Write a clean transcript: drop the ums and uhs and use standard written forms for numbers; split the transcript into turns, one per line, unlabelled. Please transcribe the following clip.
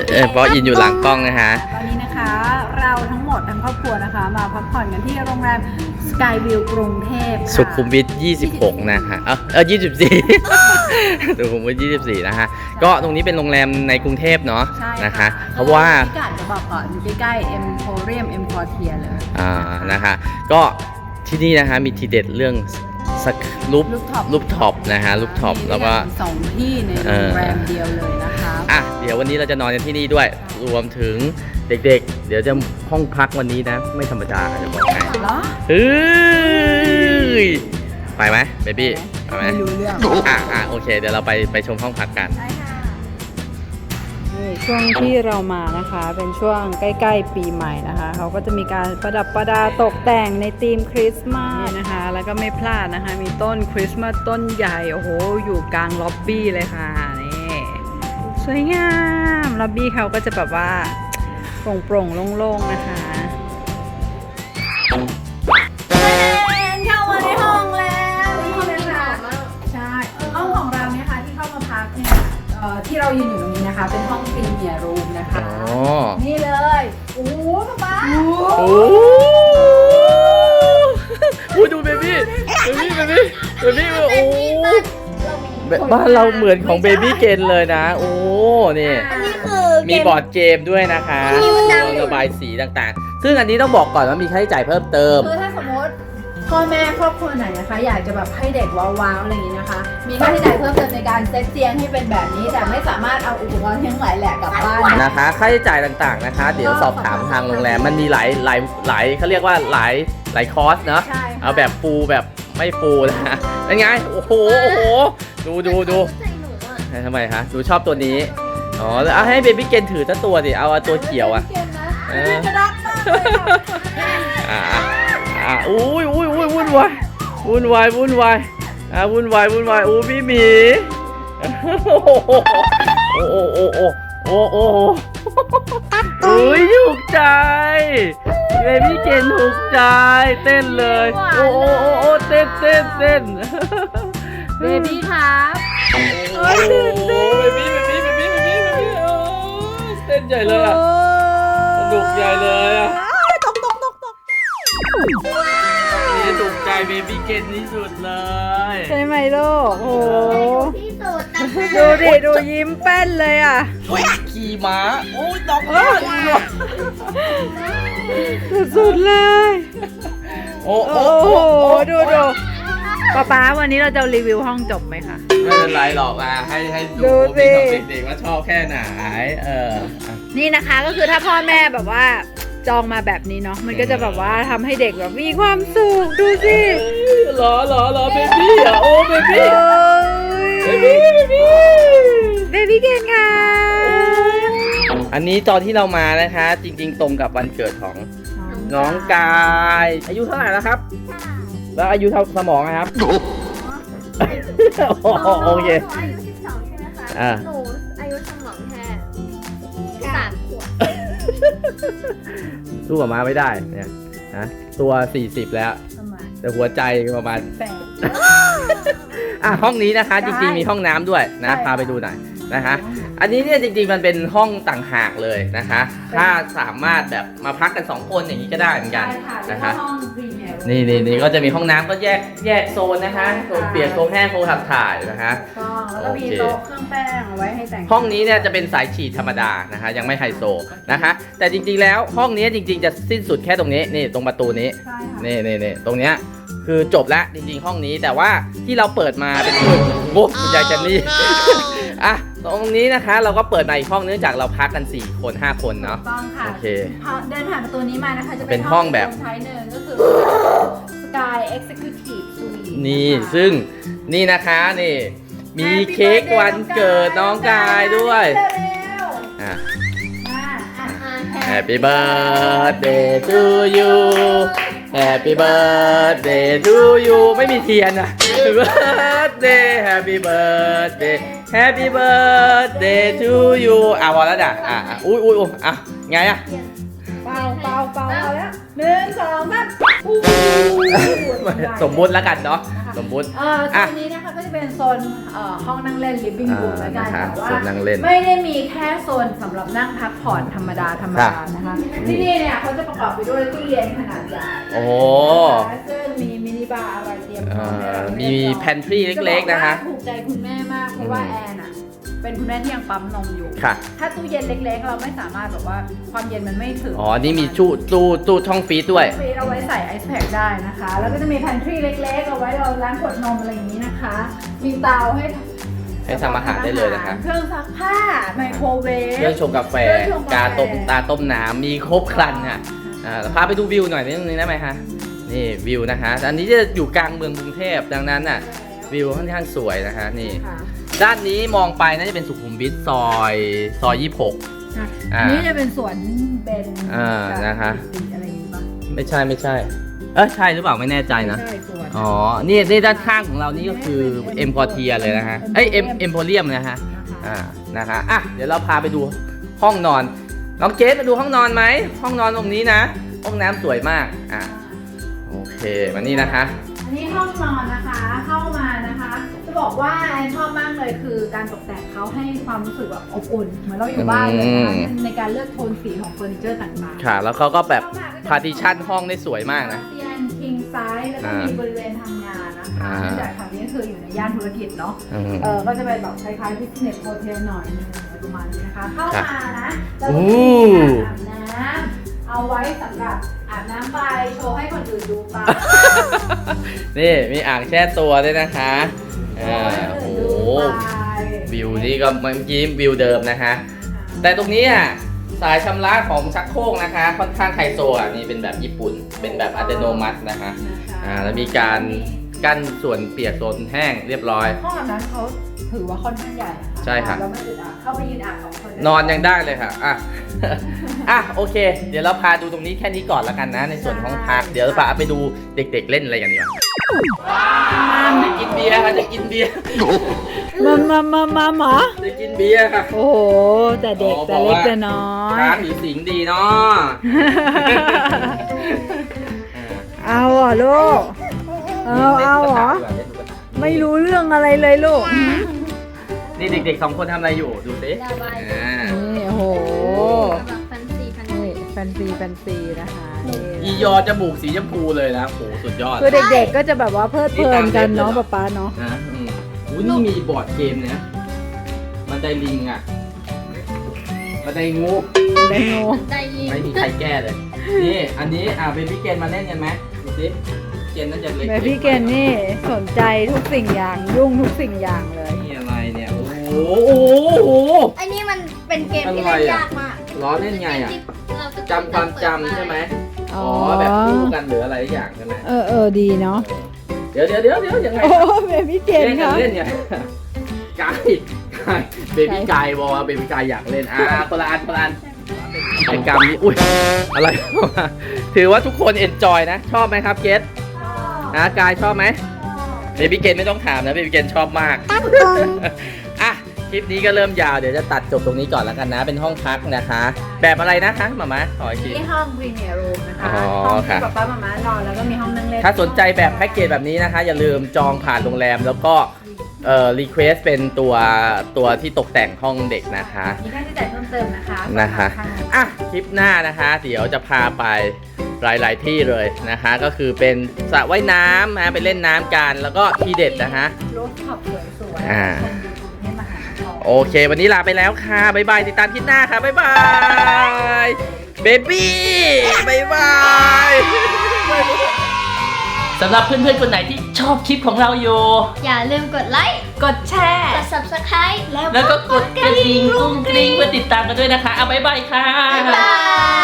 เพราะอินอยู่หลังกล้องนะฮะ
ตอนนี้นะคะเราทั้งหมดทั้งครอบครัวนะคะมาพักผ่อนกันที่โรงแรมสกายวิวกรุงเทพค่ะ
สุขุมวิท26นะฮะ24 สุขุมวิท24นะฮะก็ตรงนี้เป็นโรงแรมในกรุงเทพเนาะนะคะเพราะว่า
พิกัดจะบอกก่อนอยู่ใกล้ๆ Emporium M Quartier เลย
นะคะก็ที่นี่นะคะมีทีเด็ดเรื่องรูปท็อปนะฮะรูปท็อปแล้วก็
2ที่ในโรงแรมเดียวเลยนะคะ
เดี๋ยววันนี้เราจะนอนกันที่นี่ด้วยรวมถึงเด็กๆเดี๋ยวจะห้องพักวันนี้นะไม่ธรรมดาจะบอกให้ไปไหมเบบี้ไปไหม
ไม่รู้เรื่อง
โอเคเดี๋ยวเราไปชมห้องพักกัน
ช่วงที่เรามานะคะเป็นช่วงใกล้ๆปีใหม่นะคะเขาก็จะมีการประดับประดาตกแต่งในธีมคริสต์มาสนะคะแล้วก็ไม่พลาดนะคะมีต้นคริสต์มาสต้นใหญ่โอ้โหอยู่กลางล็อบบี้เลยค่ะนี่สวยงามล็อบบี้เขาก็จะแบบว่าโปร่งๆโล่งๆนะคะเข้ามาในห้องแล้วห้องนี้ค่ะใช่ห้องของเราเนี่ยค่ะที่เข้ามาพักเนี่ยที่เรายืนอยู่ตรงนี้นะคะเป็นห้องพรีเมียร์รูมนะคะนี่เลยโอ้โหป๊า
โอ้ดูเบบี้โอ้บ้านเราเหมือนของเบบี้เกนเลยนะโอ้นี่มีบอร์ดเกมด้วยนะคะระบายสีต่างๆซึ่งอันนี้ต้องบอกก่อนว่ามีค่าใช้จ่ายเพิ่มเติม
คือถ้าสมมติพ่อแม่ครอบครัวไหนนะคะอยากจะแบบให้เด็กว้าวๆอะไรอย่างนี้นะคะมีค่าใช้จ่ายเพิ่มเติมในการเซตเตียงให้เป็นแบบนี้แต่ไม่สามารถเอาอุปกรณ์ทั้งหลายแหละกลับบ้าน
นะคะค่าใช้จ่ายต่างๆนะคะเดี๋ยวสอบถามทางโรงแรมมันมีหลายเขาเรียกว่าหลายคอร์สเนาะเอาแบบฟูแบบไม่ฟูนะเป็นไงโอ้โหดูทำไมคะดูชอบตัวนี้อ๋อแล้วให้เบบี้เกนถือตั้งตัวดิเอาตัวเขียวอ่ะ
กระดักมากเลย
วุ่นวายโอ้พี่หมีถูกใจเบบี้เกนถูกใจเต้นเลยเต้น
เบบี้ครับ
เบบี้เต้นใหญ่เลยอ่ะสนุกใหญ่เลยอ่ะนี่ถูกใจเบบี้เกนที่สุดเลย
ใช่ไหมลูกโอ้ดูดิดูยิ้มแป้นเลยอ่ะ
ขี่ม้าดอก
สุดเลยดูป๊าวันนี้เราจะรีวิวห้องจบไหมคะ
ไม่เป็นไรหรอกให้ดูเด็กๆว่าชอบแค่ไหน
นี่นะคะก็คือถ้าพ่อแม่แบบว่าจองมาแบบนี้เนาะมันก็จะแบบว่าทำให้เด็กแบบมีความสุขดูสิ
หรอเบบี้อ่ะโอ้เบบี้
เกนค่ะ
อันนี้ตอนที่เรามานะคะจริงๆตรงกับวันเกิดของน้องกายอายุเท่าไหร่แล้วครับแล้วอายุเท่าสมองนะครับโอเค
อายุ12ใช่ไหมคะหนูอายุสมองแค่3 ขวบ
สู้กับมาไม่ได้เนี่ยนะตัว40แล้วแต่หัวใจประมาณห้องนี้นะคะจริงๆมีห้องน้ำด้วยนะพาไปดูหน่อยนะคะอันนี้เนี่ยจริงๆมันเป็นห้องต่างหากเลยนะคะถ้าสามารถแบบมาพักกัน2 คนอย่างนี้ก็ได้เหมือนกันนะคะนี่ก็จะมีห้องน้ำก็แยกโซนนะคะโซนเปียกโซนแห้งโซนขับถ่ายนะคะ
แล้วก็มีโต๊ะเครื่องแป้งเอาไว้ให้แต่ง
ห้องนี้เนี่ยจะเป็นสายฉีดธรรมดานะคะยังไม่ไฮโซนะคะแต่จริงๆแล้วห้องนี้จริงๆจะสิ้นสุดแค่ตรงนี้นี่ตรงประตูนี้นี่ตรงเนี้ยคือจบแล้วจริงๆห้องนี้แต่ว่าที่เราเปิดมาเป็นคุณยายจันนี่ตรงนี้นะคะเราก็เปิดมาอีกห้องเนื่องจากเราพักกัน4 คน 5 คนเนาะ
ต้องค่ะ
โอเค
เดินผ่านประตูนี้มานะคะจะ
เป็นห้องแบบ
ท้ายหนึ่งก็คือ Sky Executive Suite
นี่ซึ่งนี่นะคะนี่มีเค้กวันเกิดน้องกายด้วยHappy birthday to you Happy birthday to you ไม่มีเทียนHappy birthday to you พอแล้วจ้ะอุ้ยไง
เปล่าแล้ว 1 2 3
สมมุติแล้วกันเนาะสมมุติ
โซนนี้นะคะก็จะเป็นโซนห้องนั่งเล่น living room แล้วกัน
นะคะ
แต่ว่า
โซนนั่งเล่น
ไม่ได้มีแค่โซนสำหรับนั่งพักผ่อนธรรมดานะคะที่นี่เนี่ยเขาจะประกอบไปด้วยตู้เย็นขนาดใหญ่
โอ้
ซึ่งมีมินิบาร์อะไรเตรียมพร้อม
มีแพนทรีเล็กๆนะคะ
ถูกใจคุณแม่มากเพราะว่าแอนอะเป็นคุณแม่ที่ยังปั๊มนมอยู่
ค่ะ
ถ้าตู้เย็นเล็กๆ เราไม่สามารถแบบว่าความเย็นมันไม่ถึง
อ๋อ นี่มีตู้ช่องฟรีซด้วย
ฟรีเอาไว้ใส่ไอซ์แพคได้นะคะ แล้วก็จะมีแพนทรีเล็กๆ เอาไว้เราล้างขวดนมอะไรอย่างนี้นะคะ มีเตาให้
ทำอาหารได้เลยนะคะ
เครื่องซักผ้าไมโครเวฟ
เครื่องชงกาแฟ กาต้มน้ำมีครบครันค่ะพาไปดูวิวหน่อยนิดนึงได้ไหมคะ นี่วิวนะคะ อันนี้จะอยู่กลางเมืองกรุงเทพดังนั้นน่ะวิวค่อนข้างสวยนะคะนี่
ค่ะ
ด้านนี้มองไปน่าจะเป็นสุขุมวิทซอย26
นี่จะเป็นสวนเบน
นะคะ
อะไรอย่างนี้ปะ
ไม่ใช่ใช่หรือเปล่าไม่แน่ใจนะ
ใช่สวน
อ๋อ นี่ด้านข้างของเรานี่ก็คือเอ็มพอเทียเลยนะฮะเอ็มโพเรียมนะฮะ นะคะเดี๋ยวเราพาไปดูห้องนอนน้องเกสมาดูห้องนอนไหมห้องนอนตรงนี้นะห้องน้ำสวยมากโอเคมานี่นะคะ
อันนี้ห้องนอนนะคะเข้ามานะคะจะบอกว่าแอนชอบมากเลยคือการตกแต่งเขาให้ความรู้สึกแบบอบอุ่นเหมือนเราอยู่บ้านเลยนะคะในการเลือกโทนสีของเฟอร์นิเจอร์ต่างๆ
ค่ะ แล้วเขาก็แบบพาร์ติชันห้องได้สวยมากนะ
เตียง king size แล้วก็มีบริเวณทำงานนะคะเนื่องจากทางนี้คืออยู่ในย่านธุรกิจเนาะก็จะเป็นแบบคล้ายๆ business hotel หน่อยนึงประมาณนี้นะคะเข้ามานะแล้วก็มีอาบน้ำเอาไว้สำหรับอาบน้ำไปโชว์ให้คนอื่นดูไป
นี่มีอ่างแช่ตัวด้วยนะคะโอ้โหวิวนี่ก็เมื่อกี้วิวเดิมนะคะ แต่ตรงนี้สายชำระของชักโครกนะคะค่อนข้างไฮโซนี่เป็นแบบญี่ปุ่นเป็นแบบอัตโนมัตินะคะแล้วมีการกั้นส่วนเปียกโซนแห้งเรียบร้อย
ห้องอาบน้ำเขาถือว่าค่อนข้างใหญ่นะคะ
ใช่ค่ะ
แล้วไม่อึดอัดเข้าไปยืนอาบ2 คน
นอนยังได้เลยค่ะโอเค เดี๋ยวเราพาดูตรงนี้แค่นี้ก่อนแล้วกันนะในส่วนของพักเดี๋ยวเราพาไปดูเด็กๆเล่นอะไรกันดีกว่าจะกินเบียร์ค่ะจะกินเบียร์
มา
จะกินเบียร์ค่ะ
โอ้โหแต่เด็กแต่เล็กแต่น้อย
ช้างหรือสิงดีเนาะ
เอาเหรอลูกเอาเหรอไม่รู้เรื่องอะไรเลยลูก
นี่เด็กๆ2 คนทำอะไรอยู่ดูสิ
นี่โอ้โห
แบบแฟนซี
นี่แฟนซีนะคะนี่
อียอจมูกสีชมพูเลยนะโหสุดยอด
คือเด็กๆก็จะแบบว่าเพลิดเพลินกันเนาะป๊าเนาะ
นะนี่มีบอร์ดเกมนะมันไดลิงมันไดงู
ไดโน
ใจยี
ไม่มีใครแก้เลย นี่อันนี้เบบี้เกนมาเล่นกันไหมดูสิเกนน่าจะเล็ก
แม่พี่เกนนี่สนใจทุกสิ่งอย่างยุ่งทุกสิ่งอย่างเลย
นี่อะไรเนี่ยโอ้โห
ไอ้นี่มันเป็นเกมที่เล่นยากมาก
ล้อเล่นไง
เราจะ
จำความจำใช่ไหมอ๋อแบบคู่กันหรืออะไรอย่างใช่ไหม
ดีเนาะ
เดี๋ยวยังไง
โอ้เบบี้เกน
เล่นกั
ค่ะ
นเล่นเนี่ยกายเบบี้กายบอกว่าเบบี้กายอยากเล่นคนละอันกิจกรรมนี้อุ้ยอะไร ถือว่าทุกคนเอนจอยนะ ชอบไหมครับเกสกายชอบไหมเบบี้เกนไม่ต้องถามนะเบบี้เกนชอบมากคลิปนี้ก็เริ่มยาวเดี๋ยวจะตัดจบตรงนี้ก่อนแล้วกันนะ เป็นห้องพักนะคะ แบบอะไรนะคะหมาขออีกที
ที่ห้อง Premier Room นะคะ
อ๋อ
ห้องที่
ค่ะ
ป๊าๆหม่านอนแล้วก็มีห้องนั่งเล่น
ถ้าสนใจแบบแพ็กเกจแบบนี้นะคะ อย่าลืมจองผ่านโรงแรมแล้วก็รีเควสเป็นตัวที่ตกแต่งห้องเด็กนะคะ
มีค่าใช้จ่ายเพิ่มเติมนะคะ
คลิปหน้านะคะเดี๋ยวจะพาไปหลายๆที่เลยนะคะ ก็คือเป็นสระว่ายน้ำนะไปเล่นน้ำกันแล้วก็ที่เด็ดนะคะ
รถขับสวยๆ
อ่า
ชมวิวกรุงเทพมหานคร
โอเค วันนี้ลาไปแล้วค่ะ บ๊ายบาย ติดตามคลิปหน้าค่ะ บ๊ายบายเบบี้บ๊ายบายสำหรับเพื่อนๆคนไหนที่ชอบคลิปของเราอยู่
อย่าลืมกดไลค์
กดแชร์
กด subscribe
แล้วก็กดกระดิ่งกุ้งกริ้งเพื่อติดตามกันด้วยนะคะ เอาบ๊ายบายค่ะ
บ๊ายบาย